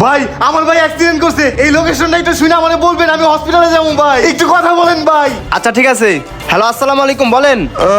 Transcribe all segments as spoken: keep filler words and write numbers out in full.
ভাই আমার ভাই অ্যাক্সিডেন্ট করছে, এই লোকেশনটা একটু শুনে আমারে বলবেন, আমি হসপিটালে যাবো ভাই, একটু কথা বলেন ভাই। আচ্ছা ঠিক আছে। হ্যালো আসসালামু আলাইকুম, বলেন।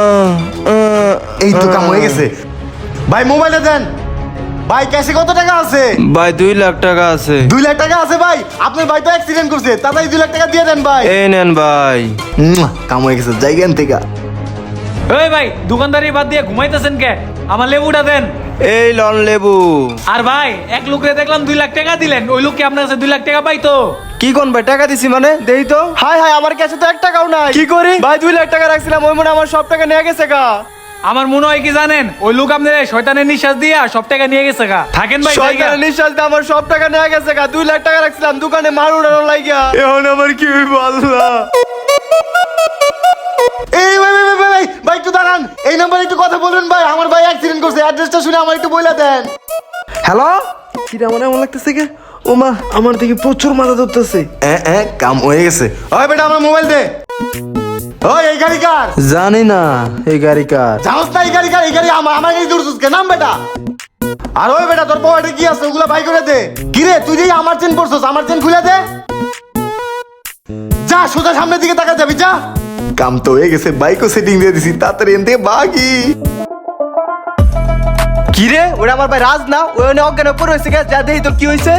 এই তো কাম হয়ে গেছে ভাই, মোবাইলে দেন ভাই। ক্যাশে কত টাকা আছে? ভাই দুই লাখ টাকা আছে। দুই লাখ টাকা আছে ভাই, আপনার ভাই তো অ্যাক্সিডেন্ট করছে, তাড়াতাড়ি দুই লাখ টাকা দিয়ে দেন ভাই। এই নেন ভাই। মুয়া, কাম হয়ে গেছে, জায়গান থেকে। এই ভাই দোকানদারি বাদ দিয়ে ঘুমাইতেছেন কে? আমার লেবুটা দেন। এই লন লেবু। আর ভাই এক লোকরে দেখলাম দুই লাখ টাকা দিলেন, ওই লোক কি আপনার কাছে দুই লাখ টাকা পাইতো? কি কোন ভাই, টাকা দিছি মানে দেই তো। হাই হাই, আমার কাছে তো এক টাকাও নাই। কি করি ভাই, দুই লাখ টাকা রাখছিলাম, ওই মনে আমার সব টাকা নিয়ে গেছে গা। আমার মনে হয় কি জানেন, ওই লোক আপনার শয়তানের নিঃশ্বাস দিয়া সব টাকা নিয়ে গেছে গা। থাকেন ভাই জায়গা। শয়তানের নিঃশ্বাস দিয়ে আমার সব টাকা নিয়ে গেছে গা। দুই লাখ টাকা রাখছিলাম দোকানে, মার উড়ানো লাগিয়া। এখন আমার কি হইব আল্লাহ। এই ভাই ভাই ভাই ভাই ভাই একটু দাঁড়ান, এই নাম্বারে একটু কথা বলুন ভাই, আমার ভাই অ্যাক্সিডেন্ট করছে, অ্যাড্রেসটা শুনে আমার একটু বলে দেন। হ্যালো, কিরা মনে এমন লাগতেছে কে? ও মা, আমার দিকে প্রচুর মাথা ধরতেছে। এ এ কাম হয়ে গেছে। ওই বেটা আমার মোবাইল দে। ওই এই গাড়ি কার? জানি না এই গাড়ি কার। জানোস না এই গাড়ি কার? এই গাড়ি আমার, আমার গাড়ি দূরছিস কে? নাম বেটা। আর ওই বেটা তোর পকেটে কি আছে ওগুলা বাই করে দে। কি রে তুই যে আমার চেন পরছস, আমার চেন খুলে দে। যা সোজা সামনের দিকে তাকা যাবি, যা। কাম তো হয়ে গেছে, বাইকও সেটিং দিয়ে দিছি, তাড়াতাড়ি এনতে বাগি। কি রে, ওটা আমার ভাই রাজ না? ওই অনেক অজ্ঞান পড়ে হয়েছে গে, যা দেখি তোর কি হয়েছে।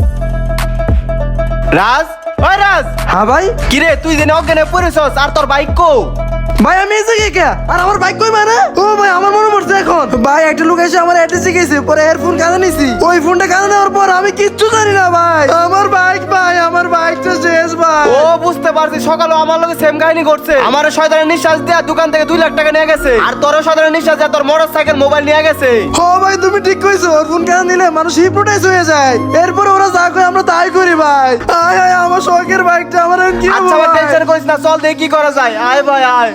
রাজ, ওই রাজ। হ্যাঁ ভাই। কি রে তুই জেনে অজ্ঞানে পড়েছস, আর তোর বাইক কো? ভাই আমি এসে কে কে আর আমার বাইক কই মানে? ও ভাই আমার মনে পড়ছে এখন। ভাই একটা লোক এসে আমার অ্যাড্রেসে গেছে, পরে এর ফোন কানে নিছি। ওই ফোনটা কানে নেওয়ার পর আমি কিচ্ছু জানি না ভাই। আমার বাইক ভাই, আমার বাইকটা শেষ ভাই। ও বুঝতে পারছি, সকালে আমার লগে সেম কাহিনী করছে। আমার শয়তানের নিঃশ্বাস দেয়া দোকান থেকে দুই লাখ টাকা নিয়ে গেছে, আর তোর শয়তানের নিঃশ্বাস দেয়া তোর মোটরসাইকেল মোবাইল নিয়ে গেছে। ও ভাই তুমি ঠিক কইছো, ওর ফোন কানে নিলে মানুষ হিপনোটাইজ হয়ে যায়। এরপর ওরা যা কয় আমরা তাই করি ভাই। আয় আয় আমার শখের বাইকটা আমার এখন কি আচ্ছা হবে ভাই ভাই? টেনশন করিস না, চল দেখি কি করা যায়। আয় ভাই আয়।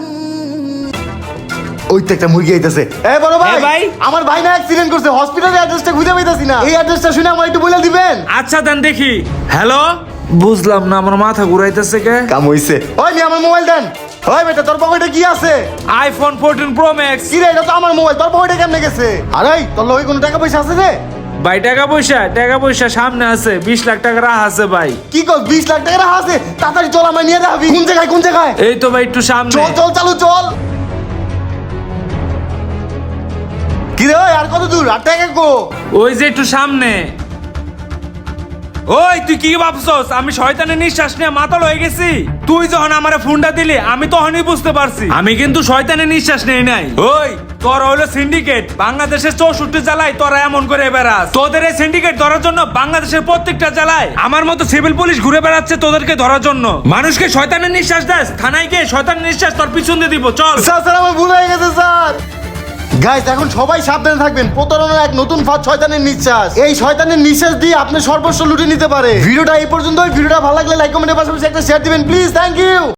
ওই তো একটা মুরগি আইতাছে। এ বড় ভাই, এ ভাই। আমার ভাই না অ্যাক্সিডেন্ট করছে, হসপিটালের অ্যাড্রেসটা খুঁজে পাইতাছি না, এই অ্যাড্রেসটা শুনে আমার একটু বলে দিবেন। আচ্ছা দেন দেখি। হ্যালো, বুঝলাম না, আমার মাথা ঘুরাইতেছে কে? কাম হইছে। ওই নি আমার মোবাইল দেন। ওই বেটা তোর পকেটে কি আছে? IPhone fourteen pro max. কি রে, এটা তো আমার মোবাইল, তোর পকেটে কেমনে গেছে? আরে তোর লগে কোনো টাকা পয়সা আছে রে? ভাই টাকা পয়সা টাকা পয়সা সামনে আছে, বিশ লাখ টাকা রাহ আছে ভাই। কি কর, বিশ লাখ টাকা রাখা আছে? তাড়াতাড়ি চল, আমার নিয়ে যাবি। কোন জায়গায় কোন জায়গায়? এই তো ভাই একটু সামনে। চল চল চালু চল। কি রে ওই, আর কত দূর? আর টাকা কো? ওই যে একটু সামনে। ওই তুই কি ভাবছস আমি শয়তানের নিঃশ্বাস নিয়ে মাতাল হয়ে গেছি? তুই যখন আমারে ফোনটা দিলি আমি তখনই বুঝতে পারছি আমি কিন্তু শয়তানের নিঃশ্বাস নেই নাই। ওই তোর হইলো সিন্ডিকেট, বাংলাদেশের চৌষট্টি জেলায় তোরা এমন করে বেড়াস। তোদের এই সিন্ডিকেট ধরার জন্য বাংলাদেশের প্রত্যেকটা জেলায় আমার মতো সিভিল পুলিশ ঘুরে বেড়াচ্ছে তোদেরকে ধরার জন্য। মানুষকে শয়তানের নিঃশ্বাস দেস, থানায় গিয়ে শয়তানের নিঃশ্বাস তোর পিছন দিয়ে দিব। চল স্যার স্যার আমার ভুল হয়ে গেছে স্যার। গাইস এখন সবাই সাবধানে থাকবেন, প্রতারণার এক নতুন ফাঁদ শয়তানের নিঃশ্বাস। এই শয়তানের নিঃশ্বাস দিয়ে আপনি সর্বস্ব লুটে নিতে পারে। ভিডিওটা এই পর্যন্তই। ভিডিওটা ভালো লাগলে লাইক কমেন্টের পাশাপাশি একটা শেয়ার দিবেন প্লিজ। Thank you.